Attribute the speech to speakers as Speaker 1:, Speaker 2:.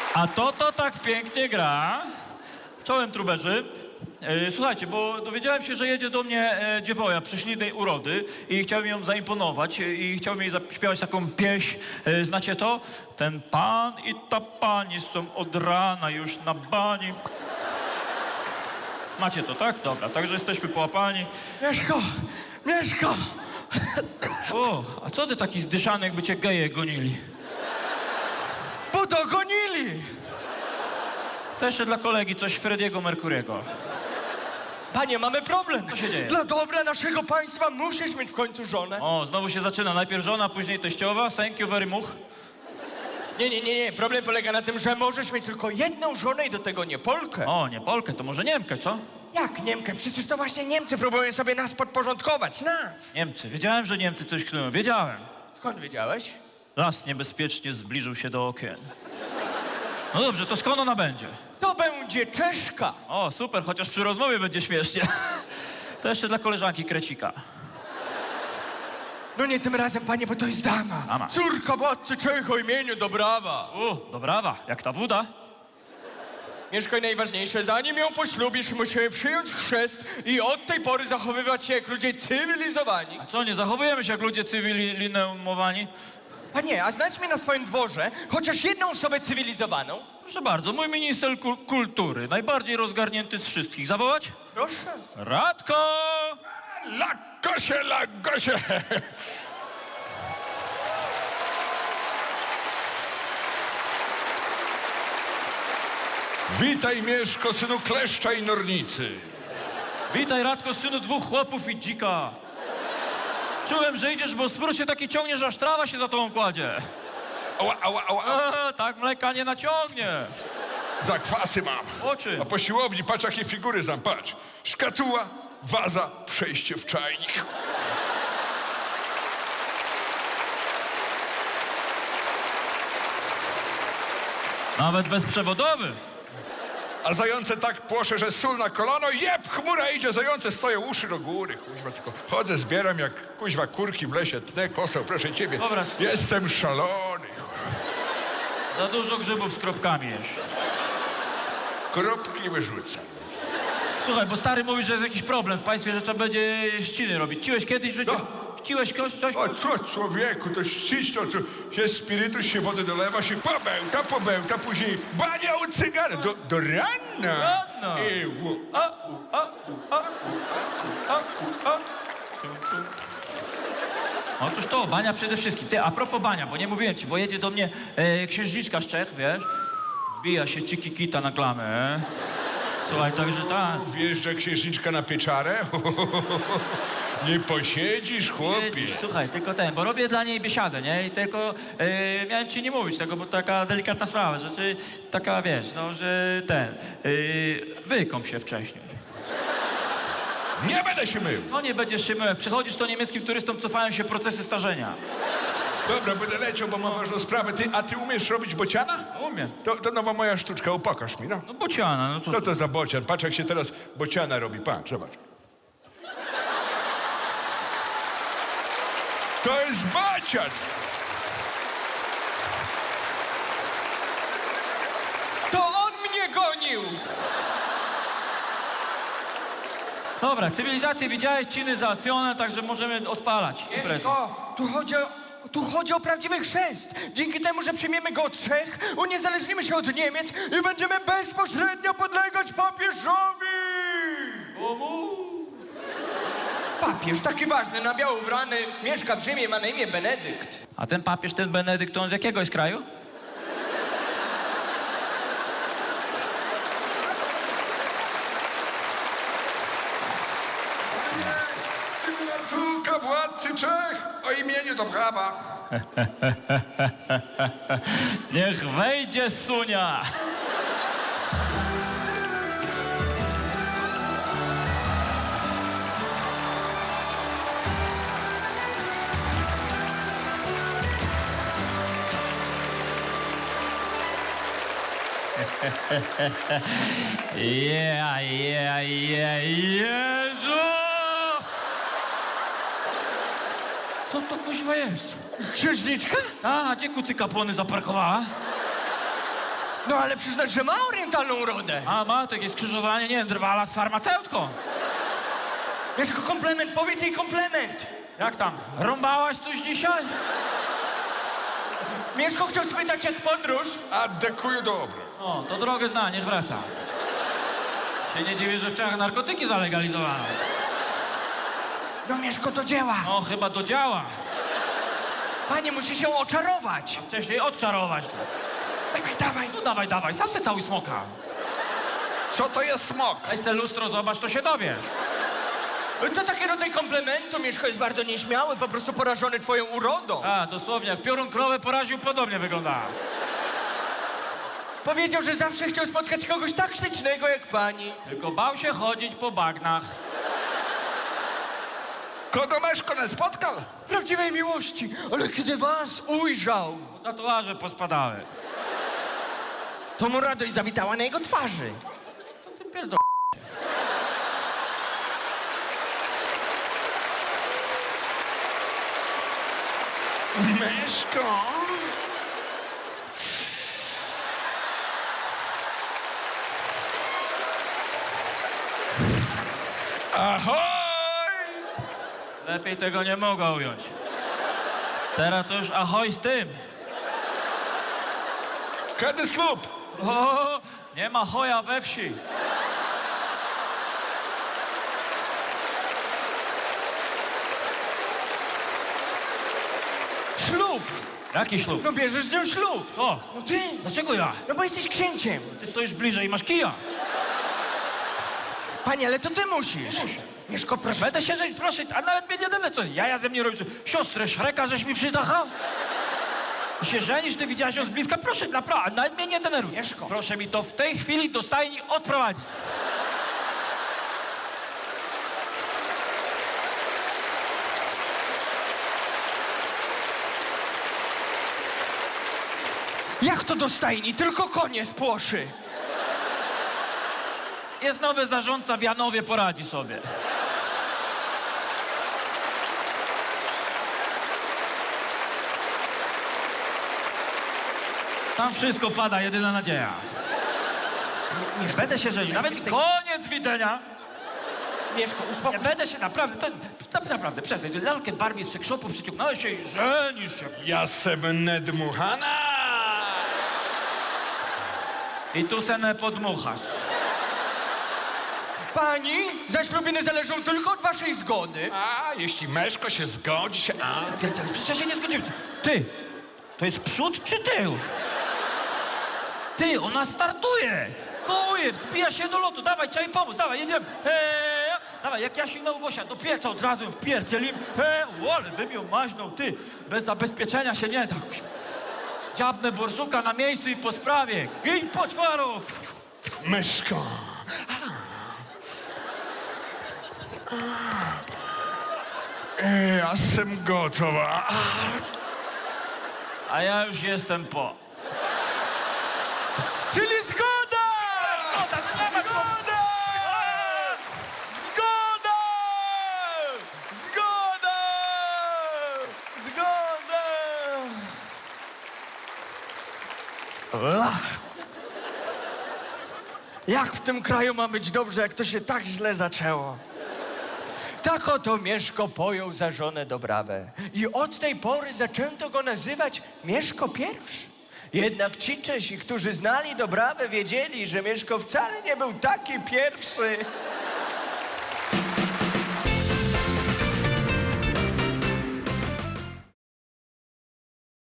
Speaker 1: A to tak pięknie gra. Czołem, truberzy. Słuchajcie, bo dowiedziałem się, że jedzie do mnie dziewoja prześlicznej urody i chciałem ją zaimponować i chciałem jej zaśpiewać taką pieśń. Znacie to? Ten pan i ta pani są od rana już na bani. Macie to, tak? Dobra, także jesteśmy połapani.
Speaker 2: Mieszko!
Speaker 1: O, a co ty taki zdyszany, jakby cię geje gonili?
Speaker 2: Bo dogonili!
Speaker 1: To jeszcze dla kolegi coś Frediego Mercuriego.
Speaker 2: Panie, mamy problem.
Speaker 1: Co się dzieje?
Speaker 2: Dla dobra naszego państwa musisz mieć w końcu żonę.
Speaker 1: O, znowu się zaczyna. Najpierw żona, później teściowa. Thank you very much.
Speaker 2: Nie. Problem polega na tym, że możesz mieć tylko jedną żonę i do tego nie Polkę.
Speaker 1: O, nie Polkę, to może Niemkę, co?
Speaker 2: Jak Niemkę? Przecież to właśnie Niemcy próbują sobie nas podporządkować. Nas!
Speaker 1: Niemcy. Wiedziałem, że Niemcy coś knują. Wiedziałem.
Speaker 2: Skąd wiedziałeś?
Speaker 1: Las niebezpiecznie zbliżył się do okien. No dobrze, to skąd ona będzie?
Speaker 2: To będzie Czeszka.
Speaker 1: O, super, chociaż przy rozmowie będzie śmiesznie. To jeszcze dla koleżanki Krecika.
Speaker 2: No nie tym razem, panie, bo to jest dama.
Speaker 1: Dama.
Speaker 2: Córka władcy Czech o imieniu Dobrawa.
Speaker 1: Dobrawa, jak ta woda.
Speaker 2: Mieszko, i najważniejsze, zanim ją poślubisz, musimy przyjąć chrzest i od tej pory zachowywać się jak ludzie cywilizowani.
Speaker 1: A co, nie zachowujemy się jak ludzie cywilizowani?
Speaker 2: Panie, a znajdź mnie na swoim dworze chociaż jedną osobę cywilizowaną.
Speaker 1: Proszę bardzo, mój minister kultury, najbardziej rozgarnięty z wszystkich. Zawołać?
Speaker 2: Proszę.
Speaker 1: Radko!
Speaker 3: Lagosie! Witaj, Mieszko, synu kleszcza i nornicy.
Speaker 1: Witaj, Radko, synu dwóch chłopów i dzika. Czułem, że idziesz, bo spór się taki ciągnie, że aż trawa się za tobą kładzie.
Speaker 3: Ała.
Speaker 1: Tak mleka nie naciągnie.
Speaker 3: Zakwasy mam.
Speaker 1: Oczy.
Speaker 3: A po siłowni patrz, jakie figury znam, patrz. Szkatuła, waza, przejście w czajnik.
Speaker 1: Nawet bezprzewodowy.
Speaker 3: A zające tak płosze, że sól na kolano, jeb, chmura idzie, zające stoją uszy do góry. Kuźwa, tylko chodzę, zbieram jak kuźwa kurki w lesie, tnę kosą, proszę ciebie.
Speaker 1: Dobra.
Speaker 3: Jestem szalony.
Speaker 1: Za dużo grzybów z kropkami jesz.
Speaker 3: Kropki wyrzucam.
Speaker 1: Słuchaj, bo stary mówi, że jest jakiś problem w państwie, że trzeba będzie ściny robić. Ciłeś kiedyś w życiu?
Speaker 3: No.
Speaker 1: Ściłeś coś?
Speaker 3: O co, człowieku, to ścić, to się spirytus, się wody dolewa, się pobełta, później bania u cygara, do rana.
Speaker 1: Rano. Otóż to, bania przede wszystkim. Ty, a propos bania, bo nie mówiłem ci, bo jedzie do mnie księżniczka z Czech, wiesz? Wbija się Cikikita na klamę. Słuchaj, także tak.
Speaker 3: Wjeżdża księżniczka na pieczarę? Nie posiedzisz, chłopie.
Speaker 1: Słuchaj, tylko bo robię dla niej biesiadę, nie? I tylko miałem ci nie mówić tego, bo to taka delikatna sprawa, że taka, wiesz, no, że wykąp się wcześniej.
Speaker 3: Nie będę się mył.
Speaker 1: No nie będziesz się mył, jak przychodzisz, to niemieckim turystom cofają się procesy starzenia.
Speaker 3: Dobra, będę leciał, bo mam ważną sprawę. A ty umiesz robić bociana?
Speaker 1: Umiem.
Speaker 3: To nowa moja sztuczka, upokaż mi, no.
Speaker 1: No bociana, no to...
Speaker 3: Co to za bocian? Patrz, jak się teraz bociana robi, patrz, zobacz. To jest bocian!
Speaker 2: To on mnie gonił!
Speaker 1: Dobra, cywilizację widziałeś, czyny załatwione, także możemy odpalać imprezę.
Speaker 2: Mieszko, tu chodzi o prawdziwy chrzest. Dzięki temu, że przyjmiemy go od Czech, uniezależnimy się od Niemiec i będziemy bezpośrednio podlegać papieżowi! Papież, taki ważny, na biało ubrany, mieszka w Rzymie, ma na imię Benedykt.
Speaker 1: A ten papież, ten Benedykt, on z jakiego jest kraju?
Speaker 3: Córka władcy Czech o imieniu Dobrawa.
Speaker 1: Niech wejdzie Sunia! Jezu! Co to kuźwa jest?
Speaker 2: Księżniczka?
Speaker 1: A, gdzie kucyka płony zaparkowała?
Speaker 2: No ale przyznać, że ma orientalną urodę.
Speaker 1: A ma takie skrzyżowanie, nie wiem, drwala z farmaceutką.
Speaker 2: Mieszko, komplement, powiedz jej komplement.
Speaker 1: Jak tam? Rąbałaś coś dzisiaj?
Speaker 2: Mieszko chciał spytać, jak podróż.
Speaker 3: A dekuju dobro.
Speaker 1: O, to drogę zna, niech wraca. Się nie dziwię, że w Czechach narkotyki zalegalizowano.
Speaker 2: No Mieszko, to działa.
Speaker 1: No, chyba to działa.
Speaker 2: Panie, musi się oczarować.
Speaker 1: Wcześniej odczarować.
Speaker 2: Dawaj, dawaj.
Speaker 1: No dawaj, dawaj, sam se cały smoka.
Speaker 3: Co to jest smok?
Speaker 1: Weź se lustro, zobacz, to się dowiesz.
Speaker 2: To taki rodzaj komplementu. Mieszko jest bardzo nieśmiały, po prostu porażony twoją urodą.
Speaker 1: A, dosłownie, jak piorun krowę poraził, podobnie wygląda.
Speaker 2: Powiedział, że zawsze chciał spotkać kogoś tak ślicznego jak pani.
Speaker 1: Tylko bał się chodzić po bagnach.
Speaker 3: Kogo Meszko nie spotkał?
Speaker 2: Prawdziwej miłości. Ale kiedy was ujrzał,
Speaker 1: Tatuaże pospadały.
Speaker 2: to mu radość zawitała na jego twarzy.
Speaker 1: Co ty pierdol...
Speaker 3: Meszko? Ahoj!
Speaker 1: Lepiej tego nie mogła ująć. Teraz to już ahoj z tym.
Speaker 3: Kiedy ślub?
Speaker 1: O, nie ma choja we wsi.
Speaker 2: Ślub.
Speaker 1: Jaki ślub?
Speaker 2: No bierzesz z nią ślub.
Speaker 1: O,
Speaker 2: No ty.
Speaker 1: dlaczego ja?
Speaker 2: No bo jesteś księciem.
Speaker 1: Ty stoisz bliżej i masz kija.
Speaker 2: Panie, ale to ty musisz. Mieszko, proszę.
Speaker 1: Będę się żenić, proszę, a nawet mnie nie denerwuj. Co, jaja ze mnie robisz? Siostrę Szreka, żeś mi przytachał? I się żenisz, ty widziałaś ją z bliska? Proszę, naprawdę, nawet mnie nie denerwuj.
Speaker 2: Mieszko.
Speaker 1: Proszę mi to w tej chwili do stajni odprowadzić.
Speaker 2: Jak to do stajni? Tylko konie spłoszy.
Speaker 1: Jest nowy zarządca w Janowie, poradzi sobie. Tam wszystko pada, jedyna nadzieja.
Speaker 2: Mieszko,
Speaker 1: Będę się żenił, nawet koniec widzenia.
Speaker 2: Mieszko,
Speaker 1: Nie
Speaker 2: uspokój.
Speaker 1: będę się naprawdę, to naprawdę, przestań. Lalkę Barbie z sekshopu przyciągnąłeś się i żenisz się.
Speaker 3: Ja sem nedmuchana!
Speaker 1: I tu se nie podmuchasz.
Speaker 2: Pani, zaślubiny zależą tylko od waszej zgody.
Speaker 3: A, jeśli Meszko się zgodzi się... A,
Speaker 1: Pierdziele, przecież ja się nie zgodziłem. Ty, to jest przód czy tył? Ty, ona startuje! Kołuje, wspija się do lotu. Dawaj, trzeba jej pomóc, dawaj, jedziemy. Dawaj, jak Jasiu Małgosia, do pieca od razu ją wpierdzielim. Ale bym ją maźnął, ty. Bez zabezpieczenia się nie da. Dziabnę borsuka na miejscu i po sprawie. Gin poczwarów!
Speaker 3: Meszko! Ja sem gotowa.
Speaker 1: A ja już jestem po.
Speaker 2: Czyli zgoda!
Speaker 1: Zgoda, to nie ma
Speaker 2: Zgoda! Zgoda! Zgoda! Zgoda! Jak w tym kraju ma być dobrze, jak to się tak źle zaczęło? Tak oto Mieszko pojął za żonę Dobrawę. I od tej pory zaczęto go nazywać Mieszko I. Jednak ci Czesi, którzy znali Dobrawę, wiedzieli, że Mieszko wcale nie był taki pierwszy.